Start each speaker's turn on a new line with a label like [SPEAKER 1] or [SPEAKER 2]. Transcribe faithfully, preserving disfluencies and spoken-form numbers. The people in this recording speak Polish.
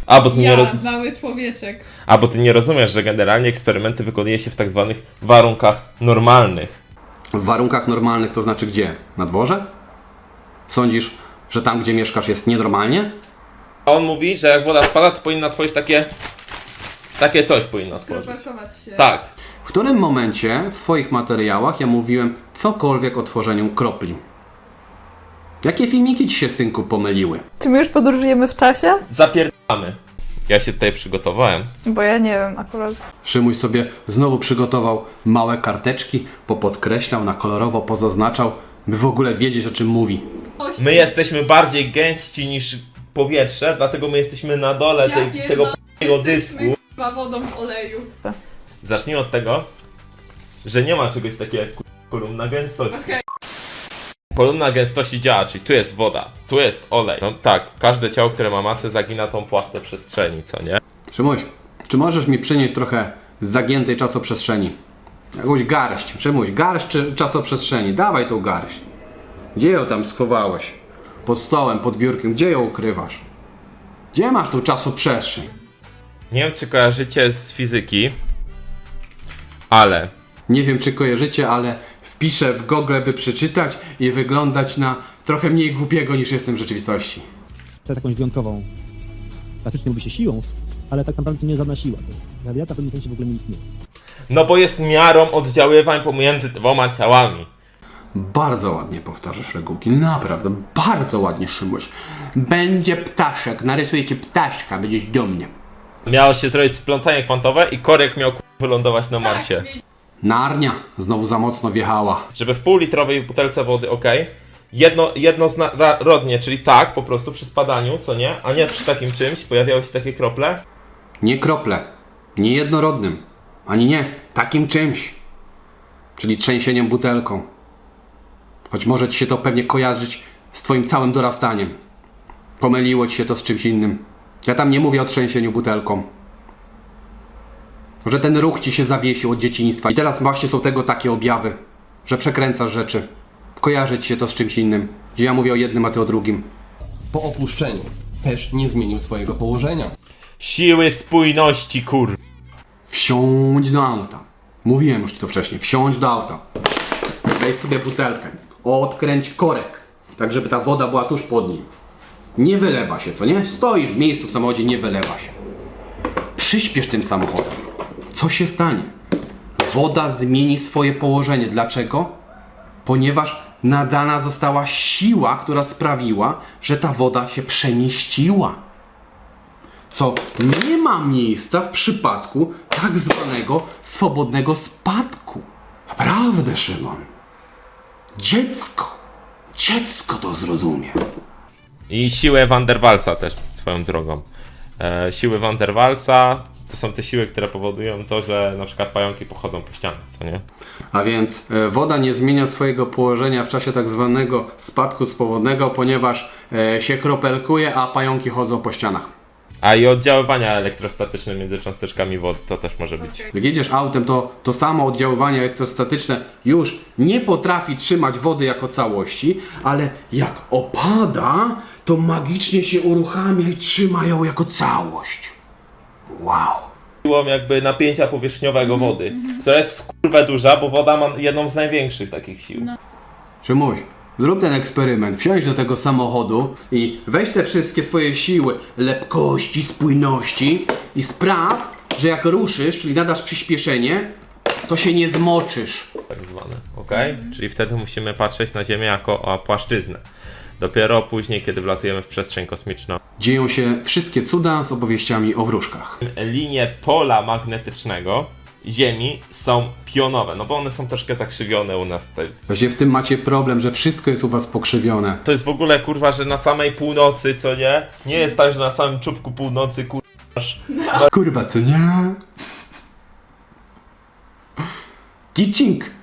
[SPEAKER 1] A, bo ty
[SPEAKER 2] Ja,
[SPEAKER 1] nie roz...
[SPEAKER 2] mały człowieczek.
[SPEAKER 1] A, bo ty nie rozumiesz, że generalnie eksperymenty wykonuje się w tak zwanych warunkach normalnych.
[SPEAKER 3] W warunkach normalnych to znaczy gdzie? Na dworze? Sądzisz, że tam, gdzie mieszkasz, jest nienormalnie?
[SPEAKER 1] A on mówi, że jak woda spada, to powinna tworzyć takie... Takie coś powinna tworzyć.
[SPEAKER 2] Skropelkować się.
[SPEAKER 1] Tak.
[SPEAKER 3] W którym momencie w swoich materiałach ja mówiłem cokolwiek o tworzeniu kropli? Jakie filmiki ci się, synku, pomyliły?
[SPEAKER 4] Czy my już podróżujemy w czasie?
[SPEAKER 1] Zapierdamy. Ja się tutaj przygotowałem.
[SPEAKER 4] Bo ja nie wiem akurat.
[SPEAKER 3] Szymuś sobie znowu przygotował małe karteczki, popodkreślał, na kolorowo pozaznaczał, by w ogóle wiedzieć, o czym mówi.
[SPEAKER 1] My jesteśmy bardziej gęści niż powietrze, dlatego my jesteśmy na dole
[SPEAKER 2] Ja
[SPEAKER 1] tej,
[SPEAKER 2] pierdolę,
[SPEAKER 1] tego p***ego dysku.
[SPEAKER 2] Jesteśmy chyba wodą w oleju.
[SPEAKER 1] Zacznijmy od tego, że nie ma czegoś takiego jak kolumna gęstości.
[SPEAKER 2] Okej.
[SPEAKER 1] Kolumna gęstości działa, czyli tu jest woda, tu jest olej. No tak, każde ciało, które ma masę, zagina tą płachtę przestrzeni, co nie?
[SPEAKER 3] Szymuś, czy możesz mi przynieść trochę zagiętej czasoprzestrzeni? Jakąś garść, Szymuś, garść czy czasoprzestrzeni, dawaj tą garść. Gdzie ją tam schowałeś? Pod stołem, pod biurkiem, gdzie ją ukrywasz? Gdzie masz tą czasoprzestrzeń?
[SPEAKER 1] Nie wiem, czy kojarzycie z fizyki, ale
[SPEAKER 3] Nie wiem, czy kojarzycie, ale wpiszę w Google, by przeczytać i wyglądać na trochę mniej głupiego niż jestem w rzeczywistości.
[SPEAKER 5] jest jakąś wyjątkową, klasycznie mówi się siłą, ale tak naprawdę to nie jest żadna siła. To radiacja w pewnym sensie w ogóle nie istnieje.
[SPEAKER 1] no bo jest miarą oddziaływań pomiędzy dwoma ciałami.
[SPEAKER 3] Bardzo ładnie powtarzasz regułki, naprawdę, bardzo ładnie, Szymuś. Będzie ptaszek, narysuję ci ptaszka, będziesz dumny.
[SPEAKER 1] Miało się zrobić splątanie kwantowe i korek miał k- wylądować na Marsie.
[SPEAKER 3] Narnia znowu za mocno wjechała.
[SPEAKER 1] Żeby w półlitrowej butelce wody, ok, jedno, jednorodnie, czyli tak, po prostu przy spadaniu, co nie, a nie przy takim czymś, pojawiały się takie krople.
[SPEAKER 3] Nie krople, nie jednorodnym, ani nie takim czymś, czyli trzęsieniem butelką. Choć może ci się to pewnie kojarzyć z twoim całym dorastaniem. Pomyliło ci się to z czymś innym. Ja tam nie mówię o trzęsieniu butelką. Może ten ruch ci się zawiesił od dzieciństwa i teraz właśnie są tego takie objawy, że przekręcasz rzeczy. Kojarzy ci się to z czymś innym, gdzie ja mówię o jednym, a ty o drugim.
[SPEAKER 6] Po opuszczeniu też nie zmienił swojego położenia.
[SPEAKER 1] Siły spójności, kur...
[SPEAKER 3] Wsiądź do auta. Mówiłem już ci to wcześniej. Wsiądź do auta. Weź sobie butelkę. Odkręć korek. Tak, żeby ta woda była tuż pod nim. Nie wylewa się, co nie? Stoisz w miejscu w samochodzie, nie wylewa się. Przyspiesz tym samochodem. Co się stanie? Woda zmieni swoje położenie. Dlaczego? Ponieważ nadana została siła, która sprawiła, że ta woda się przemieściła. Co nie ma miejsca w przypadku tak zwanego swobodnego spadku. Naprawdę, Szymon. Dziecko. Dziecko to zrozumie.
[SPEAKER 1] I siłę Van der Waalsa też swoją drogą. E, siły Van der Waalsa to są te siły, które powodują to, że na przykład pająki pochodzą po ścianach, co nie?
[SPEAKER 3] A więc e, woda nie zmienia swojego położenia w czasie tak zwanego spadku swobodnego, ponieważ e, się kropelkuje, a pająki chodzą po ścianach.
[SPEAKER 1] A i oddziaływania elektrostatyczne między cząsteczkami wody to też może być.
[SPEAKER 3] Jak jedziesz autem, to to samo oddziaływanie elektrostatyczne już nie potrafi trzymać wody jako całości, ale jak opada, to magicznie się uruchamia i trzyma ją jako całość. Wow.
[SPEAKER 1] Siłą jakby napięcia powierzchniowego wody, która jest w kurwę duża, bo woda ma jedną z największych takich sił.
[SPEAKER 3] Szymuś, zrób ten eksperyment, wsiądź do tego samochodu i weź te wszystkie swoje siły lepkości, spójności i spraw, że jak ruszysz, czyli nadasz przyspieszenie, to się nie zmoczysz.
[SPEAKER 1] Tak zwane, ok? Czyli wtedy musimy patrzeć na Ziemię jako o płaszczyznę. Dopiero później, kiedy wlatujemy w przestrzeń kosmiczną.
[SPEAKER 3] Dzieją się wszystkie cuda z opowieściami o wróżkach.
[SPEAKER 1] Linie pola magnetycznego Ziemi są pionowe, no bo one są troszkę zakrzywione u nas tutaj.
[SPEAKER 3] Właśnie w tym macie problem, że wszystko jest u was pokrzywione.
[SPEAKER 1] To jest w ogóle kurwa, że na samej północy, co nie? Nie jest tak, że na samym czubku północy kurwa masz...
[SPEAKER 3] Kurwa, co nie? Teaching